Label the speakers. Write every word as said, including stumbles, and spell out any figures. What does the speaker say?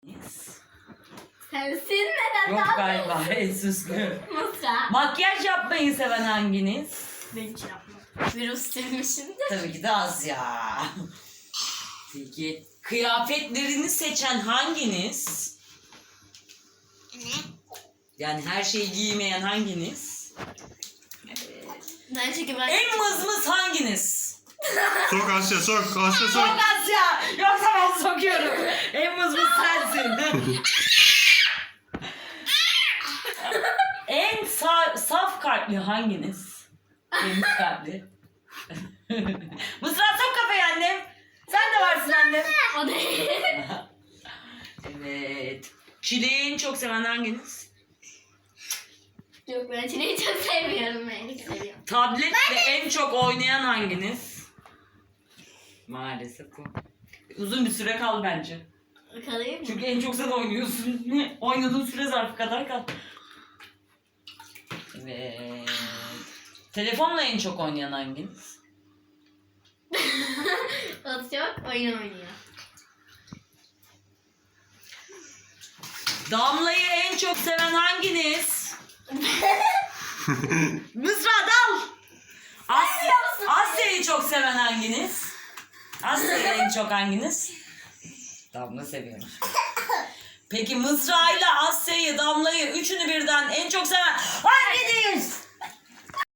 Speaker 1: Sensin neden?
Speaker 2: Yok galiba en süslü.
Speaker 1: Mısra.
Speaker 2: Makyaj yapmayı seven hanginiz?
Speaker 1: Ben hiç yapmam. Virüs silmişimdir.
Speaker 2: Tabii ki de az ya. Peki kıyafetlerini seçen hanginiz?
Speaker 1: Ne?
Speaker 2: Yani her şeyi giymeyen hanginiz?
Speaker 1: Bence ki ben...
Speaker 2: En mızmız hanginiz?
Speaker 3: Sok Asya sok. Asya sok.
Speaker 2: Çok az ya. Yoksa ben sokuyorum. En mızmız sensin. En sa- saf kalpli hanginiz? Temiz kalpli. Mızrağı sok kafaya annem. Sen de varsın annem.
Speaker 1: O değil.
Speaker 2: Evet. Çileği en çok seven hanginiz?
Speaker 1: Yok ben çileği çok seviyorum. Ben çok seviyorum.
Speaker 2: Tabletle en çok oynayan hanginiz? Maalesef bu. Uzun bir süre kal bence.
Speaker 1: Kalayım mı?
Speaker 2: Çünkü en çok sen oynuyorsun. Oynadığın süre zarfı kadar kal. Evet. Telefonla en çok oynayan hanginiz?
Speaker 1: O çok oyun oynuyor.
Speaker 2: Damla'yı en çok seven hanginiz? Mızra dal. Asya, Asya'yı çok seven hanginiz? Asya'yı en çok hanginiz? Damla seviyorum. Peki Mızra'yla Asya'yı, Damla'yı, üçünü birden en çok seven hanginiz?